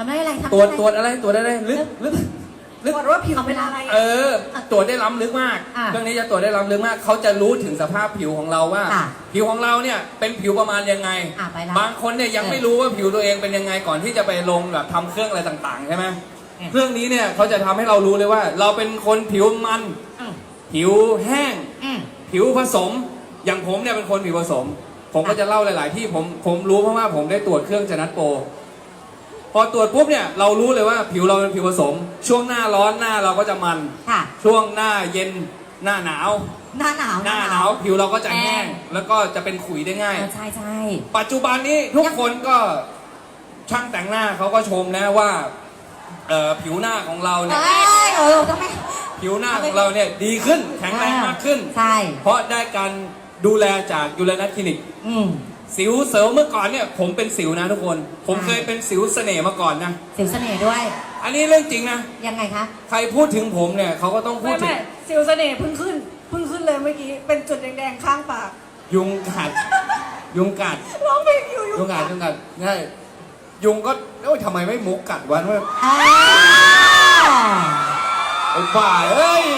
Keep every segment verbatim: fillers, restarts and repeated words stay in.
ทำได้อะไรทำตรวจได้ตรวจอะไรตรวจอะไรลึกลึกลึกตรวจว่าผิวเป็นอะไรเออตรวจได้ล้ำลึกมากอ่ะเรื่องนี้จะตรวจได้ล้ำลึกมากเขาจะรู้ถึงสภาพผิวของเราว่าค่ะผิวของเราเนี่ยเป็นผิวประมาณยังไงอ่ะไปแล้วบางคนเนี่ยยังเออไม่รู้ว่าผิวตัวเองเป็นยังไงก่อนที่จะไปลงแบบทำเครื่องอะไรต่างๆใช่ไหมเออเครื่องนี้เนี่ยเขาจะทำให้เรารู้เลยว่า เราเป็นคนผิวมันอืมผิวแห้งอืมผิวผสม อย่างผมเนี่ยเป็นคนผิวผสม ผมก็จะเล่าหลาย ๆ ที่ผมผมรู้เพราะว่าผมได้ตรวจเครื่องจนัดโปรพอตรวจปุ๊บเนี่ยเรารู้เลยว่าผิวเราเป็นผิวผสม ช่วงหน้าร้อนหน้าเราก็จะมันค่ะช่วงหน้าเย็นหน้าหนาวหน้าหนาวหน้าหนาวผิวเราก็จะแห้แห้งง แล้วก็จะเป็นขุยได้ง่ายเออใช่ใช่ปัจจุบันนี้ทุกคนก็ช่างแต่งหน้าเขาก็ชมนะว่าเอ่อผิวหน้าของเราเนี่ยเอ้ยเออต้องไม่ผิวหน้าของเราเนี่ยดีขึ้นแข็งแรงมากขึ้นใช่เพราะได้การดูแลจากยูเรนัสคลินิกอืมสิวเสริมเมื่อก่อนเนี่ยผมเป็นสิวนะทุกคน ผมใช่เคยเป็นสิวเสน่ห์มาก่อนนะสิวเสน่ห์ด้วยอันนี้เรื่องจริงนะยังไงคะใครพูดถึงผมเนี่ยเขาก็ต้องพูไม่ดถึไม่งสิวเสน่ห์เพิ่งขึ้นเพิ่งขึ้นเลยเมื่อกี้เป็นจุดแดงๆข้างปากยุงกัดยุงกัดร้องเพลงอยู่อยู่ยุงกัดยุงกัดใช่ยุงก็เอ้ยทำไมไม่มุกกัดวะว่าอ่าไอ้บ้าเอ้ย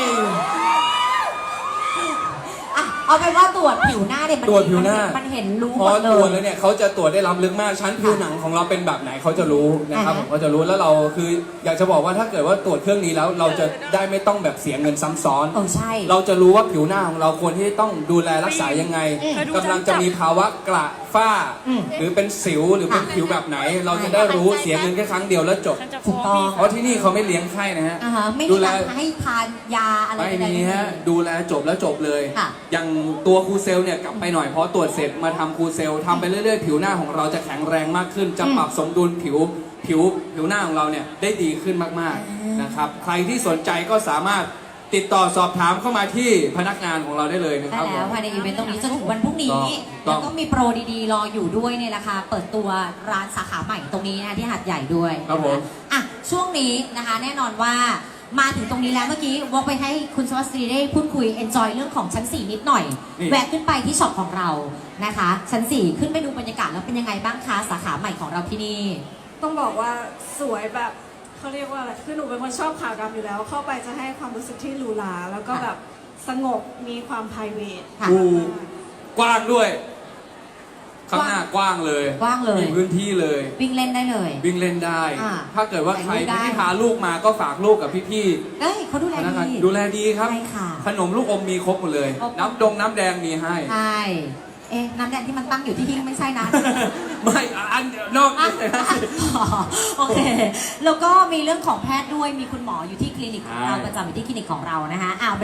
อ่ะเอาเป็นว่าตรวจผิวหน้าเนี่ยมันตรวจผิวหน้ามันเห็นรู้พหอมดเลตรวจยแล้วเนี่ยเขาจะตรวจได้ล้ำลึกมากชั้นผิวหนังของเราเป็นแบบไหนเขาจะรู้นะครับอ่าฮะผมเขาจะรู้แล้วเราคืออยากจะบอกว่าถ้าเกิดว่าตรวจเครื่องนี้แล้ว เราจะได้ไม่ต้องแบบเสียเงินซ้ำซ้อนเออใช่เราจะรู้ว่าผิวหน้าของเราควรที่ต้องดูแลรักษายังไงอืมกำลังจะมีภาวะกระฝ้าอืมหรือเป็นสิวหรือเป็นผิวแบบไหน เราจะได้รู้เสียเงินแค่ครั้งเดียวแล้วจบถูกต้องเพราะที่นี่เขาไม่เลี้ยงไข้นะฮะอ่าฮะไม่ดูมีแลการให้ทานยาอะไรไม่ใดๆมีฮะดูแลจบแล้วจบเลยค่ะอย่างตัวครูเซลเนี่ยกลับไปหน่อยเพราะตรวจเสร็จมาทำครูเซลทำไปเรื่อยๆ ผิวหน้าของเราจะแข็งแรงมากขึ้น จะปรับสมดุลผิวผิวผิวหน้าของเราเนี่ยได้ดีขึ้นมากๆนะครับใครที่สนใจก็สามารถติดต่อสอบถามเข้ามาที่พนักงานของเราได้เลยนะคได้รับแล้วภายในอีเวนต์ตรงนี้จนถึงวันพรุ่งนี้ต้องแล้วก็มีโปรดีๆ รออยู่ด้วยในราคาเปิดตัวร้านสาขาใหม่ตรงนี้นะคะที่หาดใหญ่ด้วยครับผมอ่ะช่วงนี้นะคะแน่นอนว่ามาถึงตรงนี้แล้วเมื่อกี้วอกไปให้คุณสวัสดีได้พูดคุย enjoy เรื่องของชั้นสี่นิดหน่อยนี่แวะขึ้นไปที่ช็อปของเรานะคะ ชั้นสี่ขึ้นไปดูบรรยากาศแล้วเป็นยังไงบ้างคะสาขาใหม่ของเราที่นี่ต้องบอกว่าสวยแบบเขาเรียกว่าอะไรคือหนูเป็นคนชอบขาวดำอยู่แล้ว เข้าไปจะให้ความรู้สึกที่หรูหราแล้วก็แบบสงบมีความ private ค่ะดูกว้างด้วย ข้างหน้ากว้างเลยกว้างเลยมีพื้นที่เลยวิ่งเล่นได้เลยวิ่งเล่นได้อ่าถ้าเกิดว่าใครถ่ายรูปได้ที่พาลูกมาก็ฝากลูกกับพี่เอ้ยเขาดูๆแลพนักงานดีดูแลดีครับใช่ค่ะขนมลูกอมมีครบหมดเลยครบน้ำดงน้ำแดงมีให้ใช่ เอ๊ะ น้ำแดงที่มันตั้งอยู่ที่หิ้งไม่ใช่นะไม่อันนอกอ่ะนี้นะโอเค แล้วก็มีเรื่องของแพทย์ด้วย มีคุณหมออยู่ที่คลินิกของเราใช่ประจำอยู่ที่คลินิกของเรานะคะอ่า